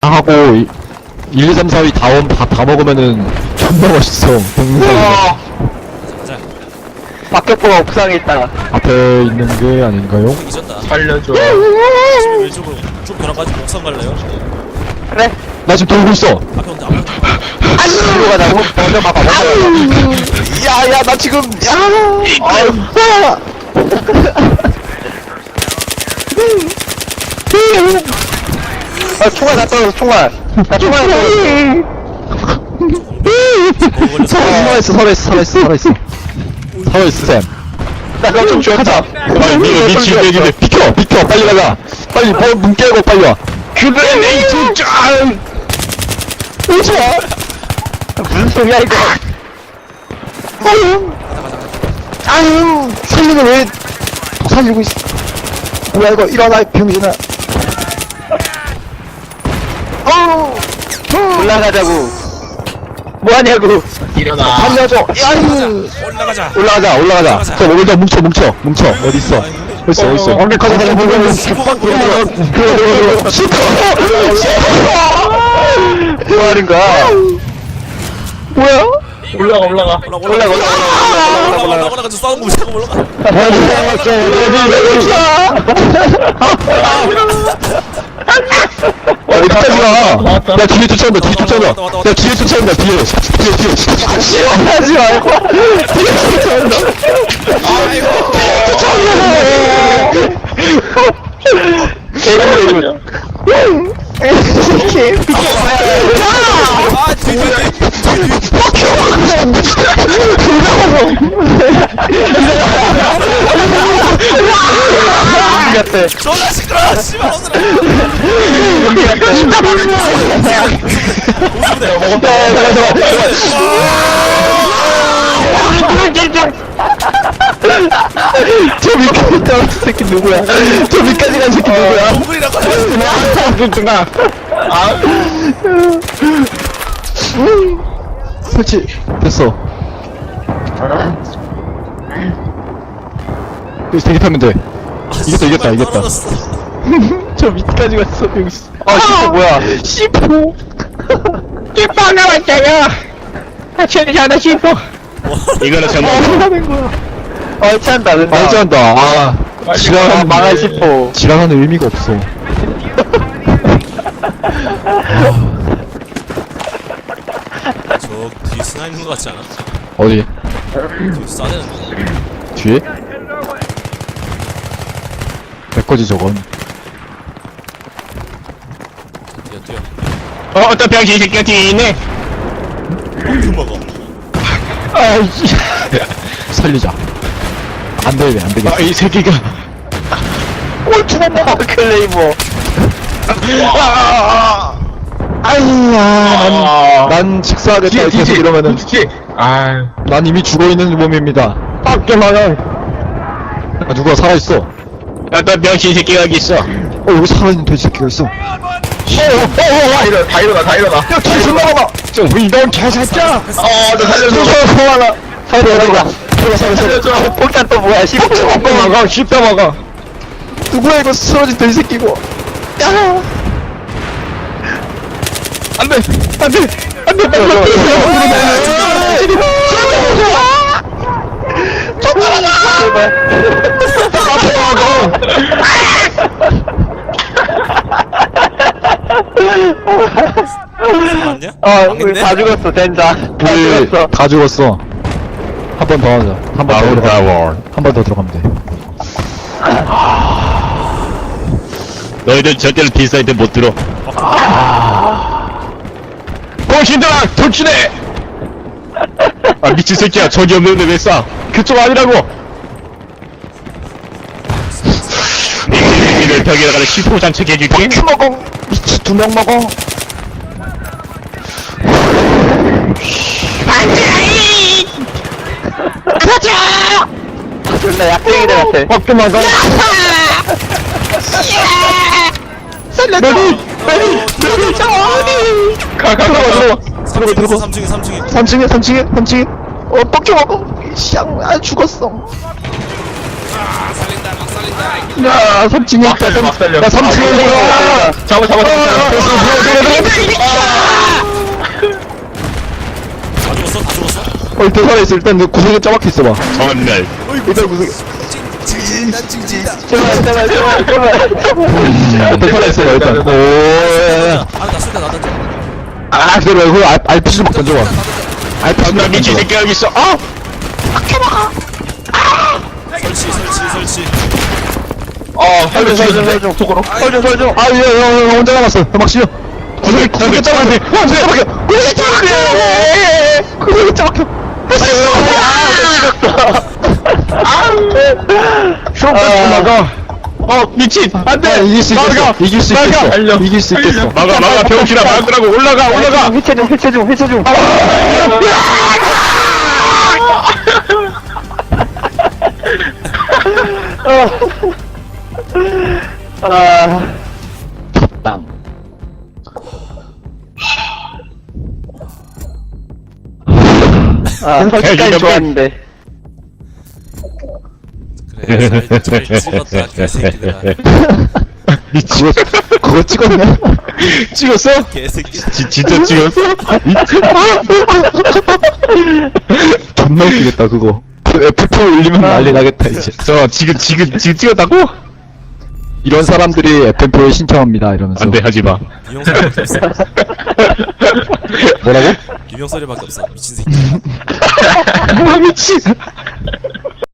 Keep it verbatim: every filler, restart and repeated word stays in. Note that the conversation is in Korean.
하고 일, 이, 삼, 사 위 다원 다, 다 먹으면은 존나 멋있어. 동영상 어, 가자. 박격포가 옥상에 있다. 앞에 있는 게 아닌가요? 잊었다. 살려줘. 지금 왼쪽으로 좀 돌아가지고 옥상 갈래요? 그래. 나 지금 돌고 있어. 앞에 온다. 앞에 온다. 뒤로 가자고? 먼저 가봐, 먼저 가봐. 야, 야, 나 지금, 야! 아유, 아, 총알 다 떨어졌어, 총알. 나 총알 다 떨어졌어. 뭐 걸렸어? 살아있어, 살아있어, 살아있어, 살아있어. 살아있어, 쌤. 나 그거 좀 가자. 빨리, 니, 니 지금 얘기해. 비켜, 비켜, 빨리 가자. 빨리, 어, 문 깨고 빨리 와. 그레네이트 짱! 오지 마! 무슨 소리야, 이거? 아유, 아유, 살리는 왜, 더 살리고 있어. 뭐야, 이거, 일어나, 병신아. 어우, 올라가자고. 뭐하냐고. 일어나. 살려줘. 아유. 올라가자. 올라가자, 올라가자. 올라가자. 저, 여기다 뭉쳐, 뭉쳐, 뭉쳐. 어딨어? 어딨어, 어딨어? 어, 가자, 가자, 가자. 뭐 하는 거야? 뭐야? 올라가, 올라가. 올라가 올라가 올라가 올라가 올라가 올라가 싸우는 거 자꾸 올라가. 어디까지 가? 야, 뒤에 쫓아온다, 뒤에 쫓아온다. 왔다, 왔다, 야, 뒤에 쫓아온다, 뒤에. 뒤에, 뒤에. 하지 말고. 뒤에 쫓아온다. 개구리. 이렇게 아 뒤뒤뒤 같아. 존나 시끄러워. 씨발 오늘. 저 밑까지 떨어진 새끼 누구야? 저 밑까지 간 새끼 누구야? 동물이라고. 그렇구나. 아. 설치. 됐어. 여기서 대기타면 돼. 이겼다, 이겼다, 이겼다. 떨어졌어. 저 밑까지 갔어, 여기. 아, 씨포 뭐야? 씨포. 씨포 나왔어요. 아, 괜찮아, 씨포. 이거는 뭐 하는 거야? 어, 찬다, 된다. 말지 한다. 아, 아, 지랄하는, 망할 씨포. 지랄하는 의미가 없어. 저 뒤에 스나 있는 거 같지 않아? 어디? 뒤에 싸대는 거. 뒤에? 내 거지, 저건. 뛰어 뛰어. 어, 어떤 병신 새끼가 뒤에 있네. 그 먹어. 아이씨. 살리자. 안 되네, 안 되겠어. 아, 이 새끼가. 꼴찌네, 클레이모. 아이야, 난, 난 직사하겠다. 계속 이러면은. 아, 난 이미 죽어있는 몸입니다. 밖에 막아. 아, 누가 살아있어. 어떤 병신 새끼가 여기 있어. 어, 여기 살아있는 돼지 새끼가 있어. 어, 어, 어, 일어나, 다 일어나, 다 일어나. 야, 뒤에 존나 많아. 저, 이런 개새끼야. 어, 너 살려줘. 저, 하나. 살려줘. 살려줘, 살려줘. 폭탄 또 뭐야, 씹어 먹어, 씹어 먹어. 누구야, 이거 쓰러진 돼지 새끼고. 야. 안 돼, 안 돼, 안 돼, 빨리 맞냐? 아, 망했네? 우리 다 죽었어, 젠자. 다 우리 죽었어. 다 죽었어. 한 번 더 하자. 한 번 더 들어가면 한 번 더 들어가면 돼. 너희들 절대로 딜사이드 못 들어. 보신들아, 돌진해! 아 미친 새끼야, 적이 없는데 왜 쏴? 그쪽 아니라고! 니들 벽에다가 시포 장착해줄게. 큐 먹어! 미치 두 명 먹어! 안돼! 가자! 존나 약쟁이들 같아. 먹도 먹어. 살려줘! 메리! 메리! 메리! 저 어디! 가, 가, 가, 들어가, 들어가, 들어가. 삼 층에 삼 층에. 삼 층에, 삼 층에, 삼 층에. 어, 뻑겨 먹어! 쌍, 아, 죽었어. 아 살린다 막 살린다. 야, 삼 층에 있다, 삼 층에. 야, 삼 층에 있다. 잡아, 잡아, 잡아. 어, 일단 살아있어. 일단 너 구석에 짜박혀 있어봐. 정말 일단 구석에. 징징다 징징다. 제발 제발 제발 제발 일단 살아있어봐, 일단. 오, 아나 쏜다 나 던져. 아, 그래, 그거 알- 알피지 좀 던져봐. 알피지 나 좀 미친 던져봐. 새끼 여기 있어. 아! 설치 설치 설치. 어 설정 설정 설정 속으로 설정 설정 아, 예, 형, 형, 혼자 남았어. 막 씌워. 구석에, 구석에 짜박혀. 형, 구석에 짜박혀. 구석에 짜박혀. 구석에 짜박혀. 수업까지 나가 어 미친. 안돼. 이길 수 있겠어. 이길 수 있겠어. 이길 수 있겠어. 막아 막아 병신아 막으라고 올라가 올라가. 회체 중 회체 중 회체 중 아 땅. 아, 설치까지 좋았는데. 그래 잘, 잘 찍었다 개새끼들아. 그거, 그거 찍었네? 찍었어? 개새끼. 지, 진짜 찍었어? 존나 웃기겠다, 그거. 에프 투 울리면 난리 나겠다, 이제. 저 지금 지금 지금 찍었다고? 이런 사람들이 에프엠피에 신청합니다, 이러면서. 안돼 하지마. 유명 소리밖에 없어. 뭐라고? 유명 소리밖에 없어. 미친 새끼. 아, 미친.